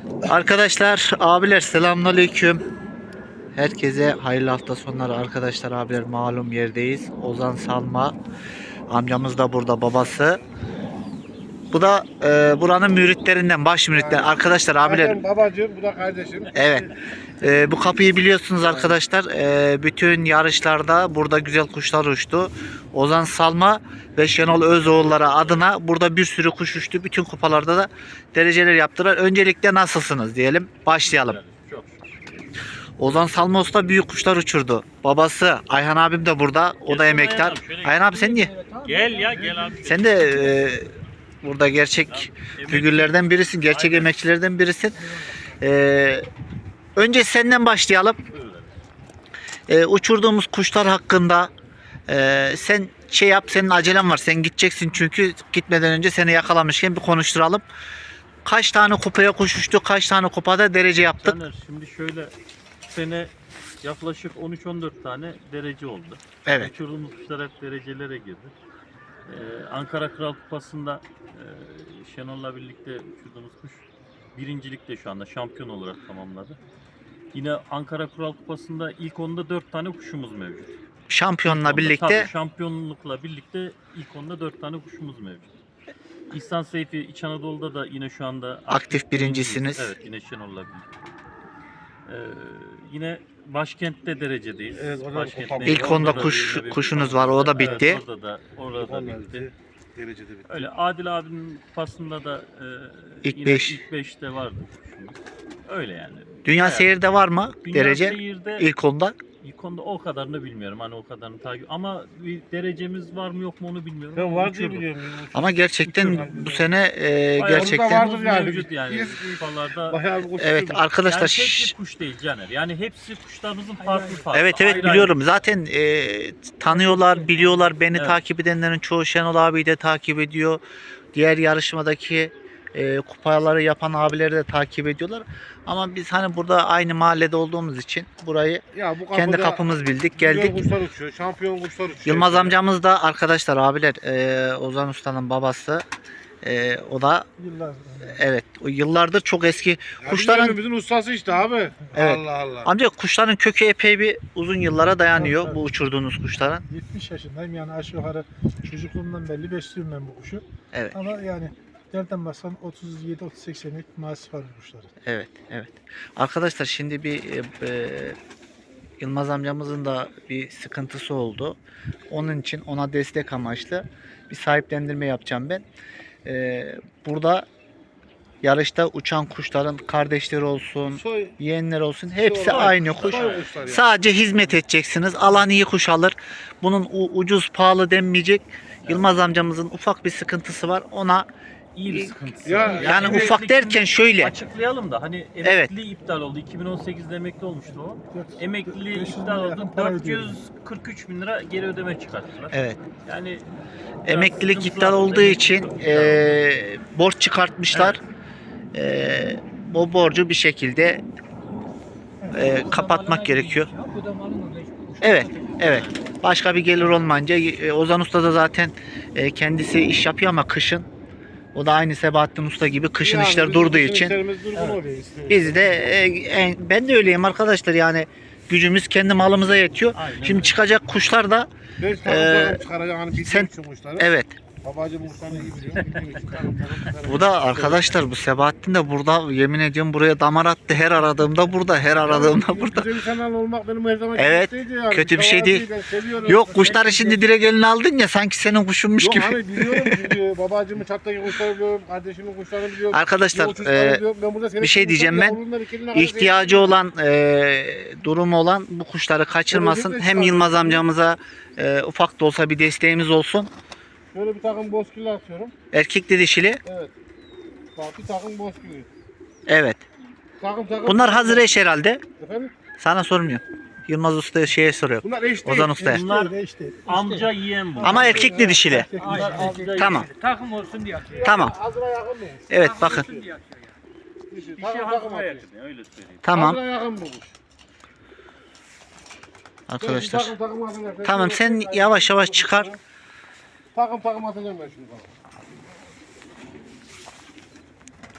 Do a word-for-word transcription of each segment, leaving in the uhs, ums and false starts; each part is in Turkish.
Arkadaşlar, abiler selamünaleyküm. Herkese hayırlı hafta sonları arkadaşlar, abiler malum yerdeyiz. Ozan Salma amcamız da burada, babası. Bu da e, buranın müritlerinden, baş müritler. Arkadaşlar, abiler. Zaten babacığım, bu da kardeşim. Evet. E, bu kapıyı biliyorsunuz arkadaşlar. E, bütün yarışlarda burada güzel kuşlar uçtu. Ozan Salma ve Şenol Özoğulları adına burada bir sürü kuş uçtu. Bütün kupalarda da dereceler yaptılar. Öncelikle nasılsınız diyelim. Başlayalım. Ozan Salma Usta büyük kuşlar uçurdu. Babası Ayhan abim de burada. O da emektar. Ayhan abi sen niye? Gel ya gel abi. Sen de e, burada gerçek figürlerden birisin. Gerçek Aynen. emekçilerden birisin. E, önce senden başlayalım. E, uçurduğumuz kuşlar hakkında e, sen şey yap, senin acelen var. Sen gideceksin çünkü gitmeden önce seni yakalamışken bir konuşturalım. Kaç tane kupaya kuş uçtu? Kaç tane kupada derece yaptık? Caner, şimdi şöyle bu sene yaklaşık on üç on dört tane derece oldu. Evet. Uçurduğumuz kuşlar hep derecelere girdi. Ee, Ankara Kral Kupası'nda e, Şenol'la birlikte uçurduğumuz kuş birincilikte şu anda şampiyon olarak tamamladı. Yine Ankara Kral Kupası'nda ilk onda dört tane kuşumuz mevcut. Şampiyonla Onda, birlikte tabii, şampiyonlukla birlikte ilk onda dört tane kuşumuz mevcut. İhsan Seyfi İç Anadolu'da da yine şu anda aktif birincisiniz. Evet, yine Şenol'la birlikte. Ee, yine başkentte derecedeyiz. Evet, o da Başkentte- kupa- İlk onda orada da kuş yine bir kuşunuz kupa- var. O da bitti. Evet, orada da orada da Onlar bitti. bitti. Derecede bitti. Öyle Adil abinin kupasında da e, İlk yine beş. ilk beşte vardı kuşumuz. Öyle yani. Dünya Bayağı- seyirde var mı Dünya derece? Seyir'de İlk onda. ilk onda o kadarını bilmiyorum. Hani o kadarını takip ama bir derecemiz var mı yok mu onu bilmiyorum. Ben Ama var diye uçurduk. biliyorum. Ama gerçekten Uçuyorum. bu sene e, Bayağı Orada gerçekten vardır yani. mevcut yani Biz- kupalarda. Bayağı bir kuş evet uçurduk. arkadaşlar. Yani tek şş, bir kuş değil Caner. Yani hepsi kuşlarımızın farklı farklı. Evet evet ayrı biliyorum. Zaten e, tanıyorlar, biliyorlar. Beni Evet. takip edenlerin çoğu Şenol abi de takip ediyor. Diğer yarışmadaki e, kupaları yapan abileri de takip ediyorlar. Ama biz hani burada aynı mahallede olduğumuz için burayı Ya bu kendi kapıda kapımız bildik, güzel geldik. kuşlar uçuyor. Şampiyon kuşlar uçuyor. Yılmaz amcamız da arkadaşlar, abiler, e, Ozan Usta'nın babası. E, o da Yıllar. evet o yıllardır çok eski Ya kuşların. bizim evimizin ustası işte abi. Evet. Allah Allah. Amca kuşların kökü epey bir uzun yıllara dayanıyor, Evet, evet. bu uçurduğunuz kuşların. yetmiş yaşındayım yani aşağı yukarı çocukluğumdan belli besliyorum ben bu kuşu. Evet. Ama yani nereden baksan otuz yedi otuz sekiz senelik mahsus var bu kuşların. Evet, evet. Arkadaşlar şimdi bir e, e, Yılmaz amcamızın da bir sıkıntısı oldu. Onun için ona destek amaçlı bir sahiplendirme yapacağım ben. E, burada yarışta uçan kuşların kardeşleri olsun, Soy, yeğenler olsun, hepsi soy- aynı kuş. soy kuşlar ya. Sadece hizmet edeceksiniz. Alan iyi kuş alır. Bunun u- ucuz pahalı denmeyecek. Yılmaz amcamızın ufak bir sıkıntısı var. Ona İyi bir sıkıntısı. Ya- var. yani emeklilik ufak derken şöyle. açıklayalım da hani Evet. emekli iptal oldu. iki bin on sekizde emekli olmuştu o. Emekli beş yüz iptal lira oldu. yakın para dört yüz kırk üç bin lira geri ödeme çıkarttılar. Evet. Yani Emeklilik biraz iptal sıkıntılı olduğu oldu. için Emeklilik iptal oldu. e, borç çıkartmışlar. E, o borcu bir şekilde e, kapatmak gerekiyor. Evet, evet. Başka bir gelir olmayınca e, Ozan Usta da zaten e, kendisi iş yapıyor ama kışın o da aynı Sebahattin Usta gibi kışın Yani işler bizim durduğu kışın için işlerimiz durgun oluyor işte. biz de e, en- ben de öyleyim arkadaşlar, yani gücümüz kendi malımıza yetiyor. Aynen Şimdi öyle. çıkacak kuşlar da Beş takım Ee, takım çıkaracak hani bildiğim sen- için kuşları. evet. Babacığım kuşlarını iyi biliyor. Bildiğim için takım takım çıkaracak. Bu da arkadaşlar, bu Sebahattin de burada, yemin ediyorum buraya damar attı. Her aradığımda burada, her aradığımda Yani burada. Güzel insanlar olmak benim her zaman Evet, isteğiydi yani. kötü bir şey Mütevazı değil. ben seviyorum. Yok, kuşları şimdi direkt eline aldın ya, sanki senin kuşunmuş Yok gibi. hani biliyorum çünkü babacığımın çattaki kuşları biliyorum, kardeşimin kuşlarını biliyorum. Arkadaşlar, Yolcuları e, biliyorum. Ben burada senin bir şey kuşların diyeceğim ben. yavrundan ikiliğine kadar İhtiyacı olan, e, durumu olan bu kuşları kaçırmasın. Özellikle Hem Yılmaz amcamıza e, ufak da olsa bir desteğimiz olsun. Şöyle bir takım bozkirli atıyorum. Erkekli dişili. Evet. Bak bir takım bozkirli. Evet. Takım takım. Bunlar hazır eş herhalde. Efendim? Sana sormuyorum. Yılmaz Usta'ya şeye soruyor. Bunlar eş değil. Ozan Usta'ya. Bunlar İşte, işte, işte. amca yiyen bu. Ama erkekli dişili. Bunlar amca Tamam. yiyen. Takım olsun diye atıyor. Tamam. Hazıra yakın mı? Evet bakın. Olsun diye atıyor yani. Dişi. Bir şey Takım takım hazıra atıyor. yakın ya, öyle söyleyeyim. Tamam. Hazıra yakın bu kuş. Arkadaşlar. Takım takım atacağım. Tamam, sen yavaş yavaş çıkar. Takım takım atacağım ben şimdi bana.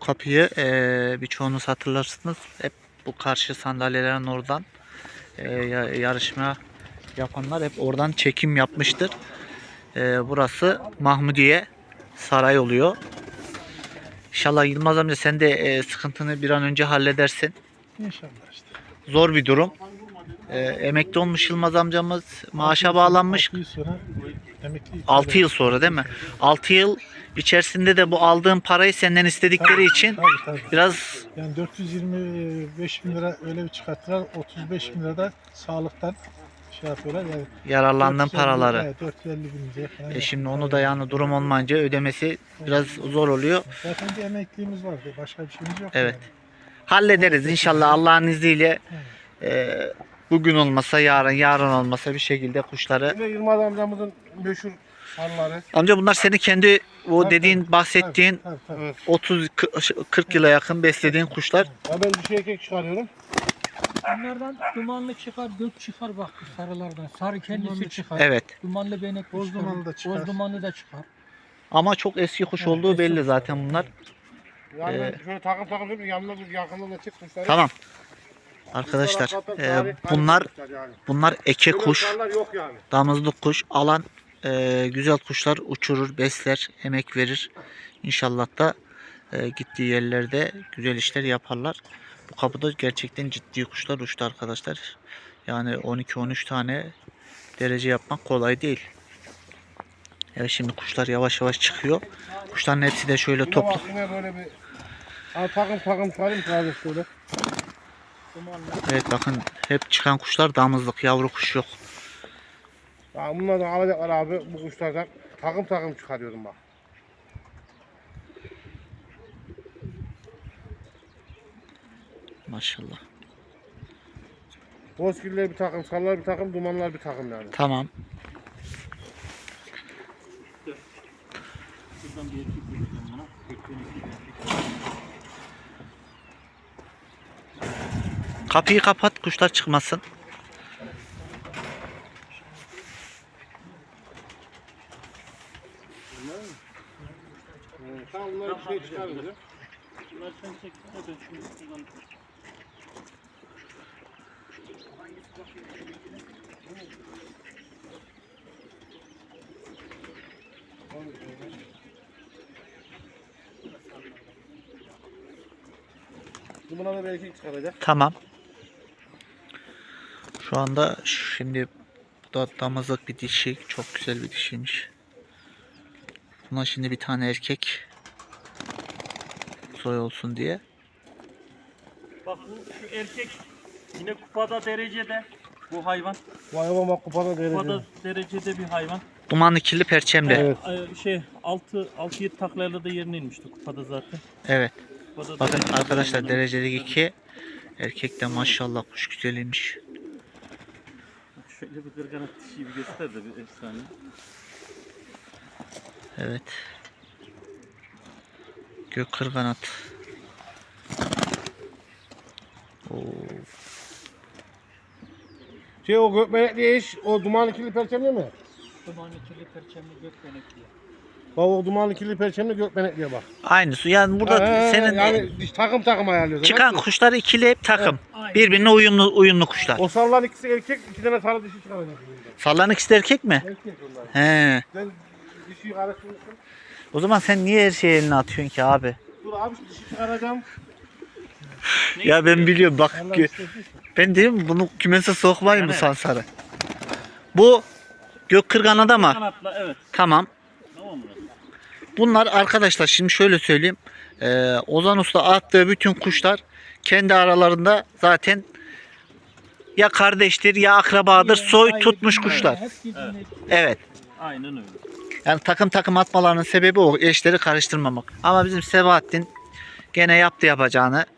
kapıyı eee birçoğunuz hatırlarsınız. Hep bu karşı sandalyelerin oradan eee, ya- yarışma yapanlar hep oradan çekim yapmıştır. Eee, burası Mahmudiye Saray oluyor. İnşallah Yılmaz amca sen de eee, sıkıntını bir an önce halledersin. İnşallah işte. Zor bir durum. Eee, emekli olmuş Yılmaz amcamız, maaşa bağlanmış. altı yıl sonra emekli. altı yıl sonra değil mi? altı yıl içerisinde de bu aldığın parayı senden istedikleri için Tabii tabii. biraz Yani dört yüz yirmi beş bin lira öyle bir çıkarttılar. otuz beş bin lira da sağlıktan şey yapıyorlar. Yani yararlandığın dört yüz elli paraları. evet, dört yüz elli bin liraya falan. E şimdi onu da yani durum olmayınca ödemesi biraz zor oluyor. Zaten bir emekliliğimiz var. Başka bir şeyimiz yok. Evet. Yani. Hallederiz inşallah Allah'ın izniyle. E, bugün olmasa yarın, yarın olmasa bir şekilde kuşları. Yine Yılmaz amcamızın meşhur sarıları. Amca bunlar senin kendi o Tabii, dediğin tabii, bahsettiğin Tabii, tabii. Evet. otuz kırk yıla yakın beslediğin kuşlar. Ya ben bir şey erkek çıkarıyorum. Bunlardan dumanlı çıkar, gök çıkar bak bu sarılardan. Sarı kendisi Dumanlı çıkar. Evet. Dumanlı benek Boz çıkar. dumanlı da çıkar. Boz dumanlı da çıkar. Ama çok eski kuş Evet, olduğu eski belli kuş. zaten bunlar. Yani Ee, ben şöyle takım takım yapayım, yanına bir yakından da çık kuşları. Tamam. Arkadaşlar Zaten e, tarih- bunlar tarih kuşlar yani. bunlar eke Böyle kuş. sarılar yok yani. Damızlık kuş alan e, güzel kuşlar uçurur, besler, emek verir. İnşallah da e, gittiği yerlerde güzel işler yaparlar. Bu kapıda gerçekten ciddi kuşlar uçtu arkadaşlar. Yani on iki on üç tane derece yapmak kolay değil. Evet şimdi kuşlar yavaş yavaş çıkıyor. Kuşların hepsi de şöyle Yine toplu. bak yine böyle bir ha, takım takım çıkarayım sadece şöyle. Evet bakın hep çıkan kuşlar damızlık, yavru kuş yok. Ya bunlardan alacaklar abi bu kuşlardan takım takım çıkarıyorum bak. Maşallah. Bozkirler bir takım, sarılar bir takım, dumanlar bir takım yani. Tamam. Şuradan bir erkek vereceğim buna. Bekleyin iki erkek. Kapıyı kapat kuşlar çıkmasın. Tamam bunlar bir şey çıkarırız ya. Bunlar sen çektin de ben şimdi şuradan Buna da bir erkek çıkaracak. Tamam. Şu anda şimdi bu da damızlık bir dişi. Çok güzel bir dişiymiş. Buna şimdi bir tane erkek soy olsun diye. bak bu şu erkek yine kupada derecede bu hayvan. Bu hayvan bak kupada derece. Kupada derecede bir hayvan. Dumanlı kirli perçemli. Evet. Ee, Şey altı altı yedi taklayla da yerine inmişti kupada zaten. Evet. Kupada Bakın derecede arkadaşlar hayvan. derecelik iki. Erkek de maşallah kuş güzeliymiş. Şöyle bir kırganat dişiyi bir göster de bir efsane. Evet. Gök kırganat. Oo. Şey o gökmenekli iş, o dumanlı kirli perçemli mi? Dumanlı kirli perçemli gök benekli. Bak o dumanlı kirli perçemli gökmenekliye bak. Aynısı. Yani burada Ee, senin yani diş- takım takım ayarlıyoruz. çıkan Bak, kuşlar ikili hep takım. Aynen. Birbirine uyumlu uyumlu kuşlar. o sarılar ikisi erkek, iki tane sarı dişi çıkaracak. Sallan ikisi de erkek mi? Erkek onlar. He. Ben dişiyi karıştırmışım. O zaman sen niye her şeyi eline atıyorsun ki abi? Dur abi dişi çıkaracağım. Ya ben biliyorum bak Allah ki- istediyse. ben diyorum bunu kümese sokmayın bu Evet. sansarı. Bu gök kırganada mı? Kanatla evet. Tamam. Tamam mı? Bunlar arkadaşlar şimdi şöyle söyleyeyim. Ee, Ozan Usta attığı bütün kuşlar kendi aralarında zaten ya kardeştir ya akrabadır. Soy Ayrı tutmuş birbirine, kuşlar. hep birbirine- Evet. Aynen öyle. Yani takım takım atmalarının sebebi o. Eşleri karıştırmamak. Ama bizim Sebahattin gene yaptı yapacağını.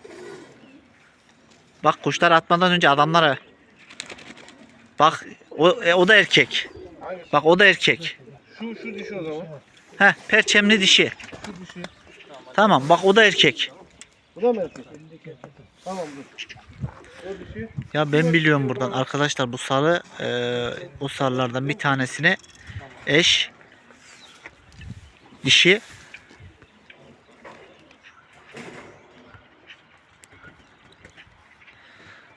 Bak kuşlar atmadan önce adamlara. Bak o, e, o da erkek. Bak o da erkek. Şu şu dişi o zaman. Heh, perçemli dişi. Şu dişi. Tamam bak o da erkek. Bu da mı erkek? Tamam dur. O dişi. Ya ben biliyorum buradan arkadaşlar bu sarı e, o sarılardan bir tanesine eş dişi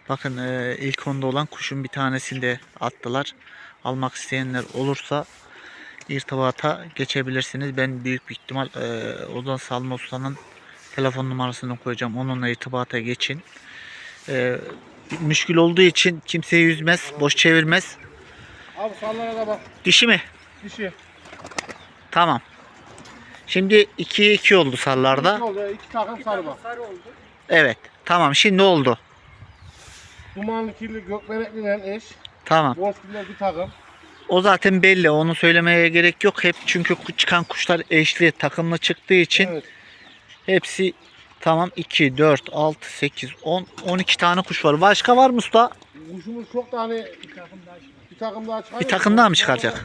Bakın e, ilk onda olan kuşun bir tanesini de attılar. Almak isteyenler olursa irtibata geçebilirsiniz. Ben büyük bir ihtimal e, Ozan Salma Usta'nın telefon numarasını koyacağım. Onunla irtibata geçin. E, müşkül olduğu için kimseyi üzmez, boş çevirmez. Abi sallara da bak. Dişi mi? Dişi. Tamam. Şimdi ikiye iki oldu sarlarda. İki oldu. İki takım sarı bak. Sarı oldu. Evet. Tamam. Şimdi oldu. Dumanlı kirli gökmenekliyle eş. Tamam. Bozkirler bir takım. O zaten belli. Onu söylemeye gerek yok. Hep çünkü çıkan kuşlar eşli, takımlı çıktığı için Evet. hepsi tamam. iki, dört, altı, sekiz, on, on iki tane kuş var. Başka var mı usta? Kuşumuz çok da hani Bir takım daha çıktı. bir takım daha çıkar. Bir takım daha mı çıkaracak?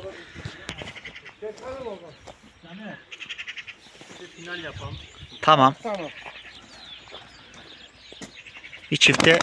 Yani Bir final yapalım. Tamam. Tamam. Bir çifte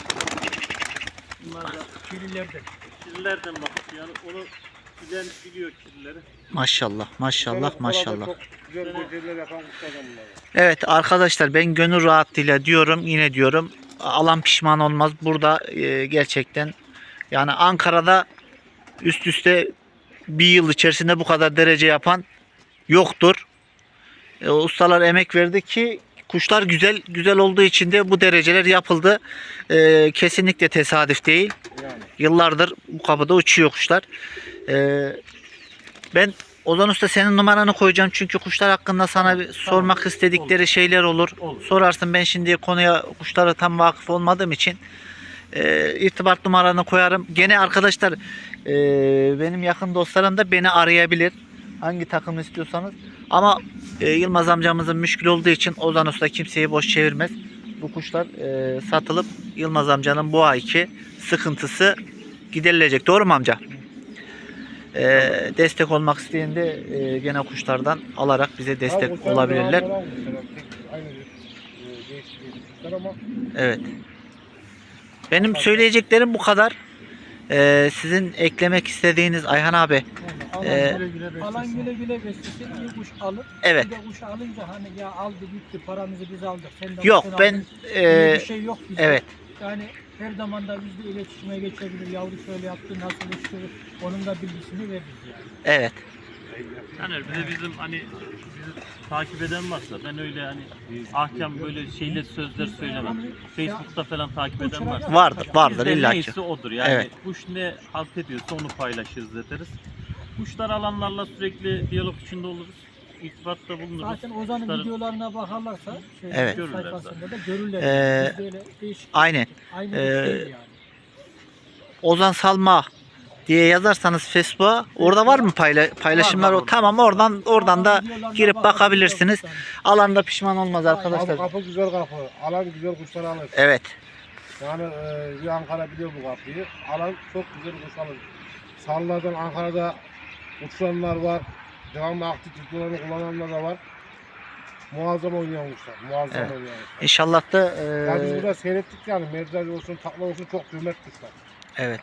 Bunlar da kirlilerden. kirlilerden bakıp yani onu bilen biliyor kirlileri. maşallah maşallah maşallah. Çok güzel beceriler yapan kuşlardan bunlar. Evet arkadaşlar, ben gönül rahatlığıyla diyorum, yine diyorum, alan pişman olmaz. Burada e, gerçekten yani Ankara'da üst üste bir yıl içerisinde bu kadar derece yapan yoktur. E, ustalar emek verdi ki kuşlar güzel güzel olduğu için de bu dereceler yapıldı. E, kesinlikle tesadüf değil. Yani. Yıllardır bu kapıda uçuyor kuşlar. E, ben Ozan Usta senin numaranı koyacağım çünkü kuşlar hakkında sana bir sormak istedikleri şeyler olur. Olur. Sorarsın, ben şimdi konuya, kuşlara tam vakıf olmadığım için e, irtibat numaranı koyarım. Gene arkadaşlar e, benim yakın dostlarım da beni arayabilir. Hangi takım istiyorsanız. Ama e, Yılmaz amcamızın müşkül olduğu için Ozan Usta kimseyi boş çevirmez. Bu kuşlar e, satılıp Yılmaz amcanın bu ayki sıkıntısı giderilecek. Doğru mu amca? E, destek olmak isteyen de e, gene kuşlardan alarak bize destek Abi kuşlar olabilirler. devamlı olan kuşlar. Tek- Aynı bir e, değişik değişik kuşlar ama Evet. Benim söyleyeceklerim bu kadar. E, sizin eklemek istediğiniz Ayhan abi. Alan Ee, güle güle Alan beslesin. güle güle beslesin, iyi kuş alır. Evet. Bir de kuş alınca hani ya aldı gitti, paramızı biz aldık. Sen de Yok kuşunu ben aldın. e, Öyle bir şey yok bizde. evet. Yani her zaman da bizle iletişime geçebilir. Yavru şöyle yaptı, nasıl uçtu, onun da bilgisini veririz yani. Evet. Yani bir de bizim hani bizi takip eden varsa ben öyle hani ahkam böyle şeyle sözler söylemem. Facebook'ta falan takip eden varsa. Vardır, vardır Bizde illa ki. neyse odur yani. Evet. Kuş ne halt ediyorsa onu paylaşırız ederiz. Kuşlar alanlarla sürekli diyalog içinde oluruz. İrtibatta bulunuruz. Zaten Ozan'ın Kuşların- videolarına bakarlarsa şey, Evet. sayfasında da görürler. Ee, Biz böyle değişik. Aynen. Aynı Ee, kuş değil yani. Ozan Salma diye yazarsanız Facebook'a, orada var mı payla paylaşımlar? Var, var, O tamam, oradan oradan da Videolarına girip bakabilir bakabilirsiniz. yoksa. Alanda pişman olmaz abi arkadaşlar. kapı güzel kapı. Alan güzel kuşlar alır. Evet. Yani e, bir Ankara biliyor bu kapıyı. Alan çok güzel kuş alır. Sallardan Ankara'da uçuranlar var. Devamlı aktif tutkularını kullananlar da var. Muazzam oynayan kuşlar. Muazzam Evet. oynayan kuşlar. İnşallah da Yani biz e, burada seyrettik yani. Mercan olsun, takla olsun çok kıymetli kuşlar. evet.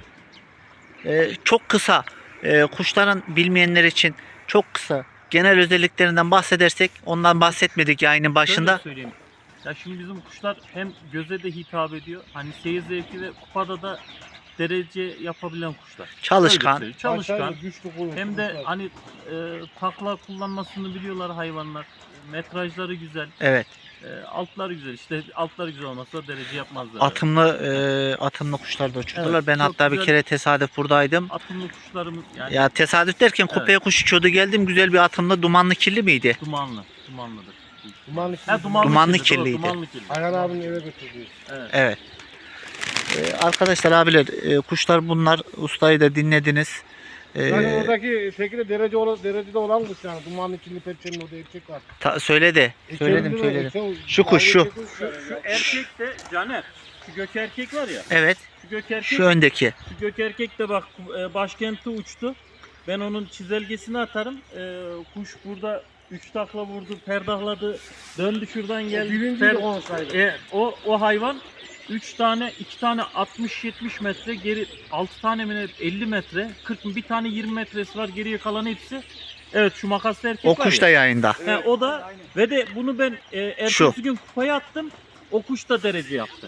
E, çok kısa e, kuşların bilmeyenler için çok kısa genel özelliklerinden bahsedersek, ondan bahsetmedik yayının başında. Şöyle söyleyeyim. Ya şimdi bizim kuşlar hem göze de hitap ediyor. Hani seyir zevki ve kupada da derece yapabilen kuşlar. Öyle Çalışkan. söyleyeyim. Çalışkan. Aşağıya güçlü kuvvetli Hem de kuşlar. hani e, takla kullanmasını biliyorlar hayvanlar. Metrajları güzel. Evet. E, altları güzel. İşte altları güzel olmazsa derece yapmazlar. Atımlı e, atımlı kuşlar da uçurdular. Evet, ben çok hatta bir güzel. kere tesadüf buradaydım. Atımlı kuşlarımız yani Ya tesadüf derken Evet. kupaya kuş uçuyordu, geldim, güzel bir atımlı, dumanlı kirli miydi? dumanlı. Dumanlıdır. Dumanlı Ha, dumanlı, Dumanlı kirli, doğru, kirliydi. Dumanlı kirli. Ayhan abinin eve götürdüğü. Evet. Evet. Ee, arkadaşlar, abiler, e, kuşlar bunlar. Ustayı da dinlediniz. Ee, Yani oradaki şekilde derece olan, derecede olan kuş yani. Dumanlı kirli perçenin orada erkek var. ta- söyledi. Söyledim İçeride de söyledim. erkek- Şu kuş, şu. erkek kuş Şu, yani. şu erkek de Caner. Şu gök erkek var ya. Evet. Şu gök erkek. Şu öndeki. Şu gök erkek de bak e, başkenti uçtu. Ben onun çizelgesini atarım. E, kuş burada üç takla vurdu, perdahladı, döndü şuradan geldi. Birinci Per- de olsaydı. e, o o hayvan üç tane, iki tane altmış yetmiş metre geri, altı tane mi ne, elli metre, kırk bir tane yirmi metresi var, geriye kalan hepsi. Evet, şu makaslı erkek O var kuş ya. da yayında. He, o da ve de bunu ben e, ertesi Şu. gün kupaya attım. O kuş da derece yaptı.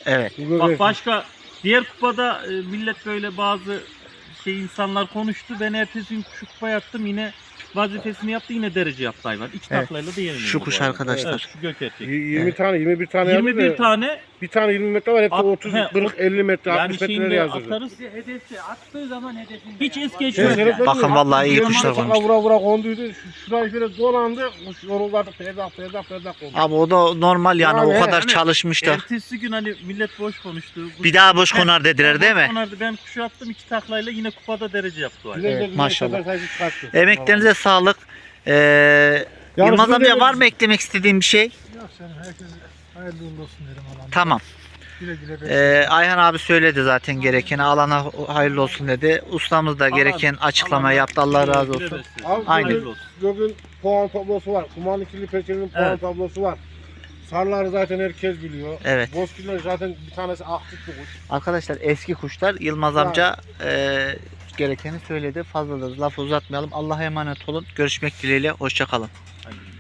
Evet. Bu Bak göbek- başka diğer kupada e, millet böyle bazı şey insanlar konuştu. Ben ertesi gün şu kupaya attım, yine vazifesini yaptı, yine derece yaptı hayvan. İki Evet. taklayla da yenildi. Şu bu kuş arada. arkadaşlar. Evet, şu gök erkek. Y- yirmi Evet. tane, yirmi bir tane yirmi yaptı bir da, tane bir tane yirmi metre var, hepsi At- otuz, he, kırk, elli metre, yani altmış metreleri şimdi yazdırdı. atarız. Bir de hedefi attığı zaman hedefinde. Hiç yani. es Bak- geçmez Şey, yani. şey, Bakın vallahi iyi yirmi kuşlar takla konmuş. Vura vura konduydu. Şu- Şurayı şöyle dolandı. Kuş yoruldu, perdak perdak perdak kondu. Abi o da normal yani, Yani o kadar hani çalışmış da. Ertesi gün hani millet boş konuştu. Bu- Bir daha boş He, konar dediler değil mi? konardı. Ben kuşu attım, iki taklayla yine kupada derece yaptı o hayvan. Güzel de Evet, güzel maşallah. sefer sayısı çıkarttı. Emeklerinize sağlık. Ee, Yalnız Yılmaz bu amca demek- var mı eklemek istediğin bir şey? Yok canım, herkese hayırlı uğurlu olsun derim Allah'ım. Tamam. Güle güle besleyin. Ee, Ayhan abi söyledi zaten gerekeni. Alana hayırlı olsun dedi. Ustamız da gereken açıklama Allah- yaptı. Allah razı Güle olsun. beslesin. Abi Aynen. bugün, bugün puan tablosu var. Kumanlı kirli peçenin puan Evet. tablosu var. Sarıları zaten herkes biliyor. Evet. Bozkirler zaten bir tanesi aktif bir kuş. Arkadaşlar eski kuşlar. Yılmaz Yani. amca e, gerekeni söyledi. Fazla da lafı uzatmayalım. Allah'a emanet olun. Görüşmek dileğiyle. Hoşça kalın. Hadi.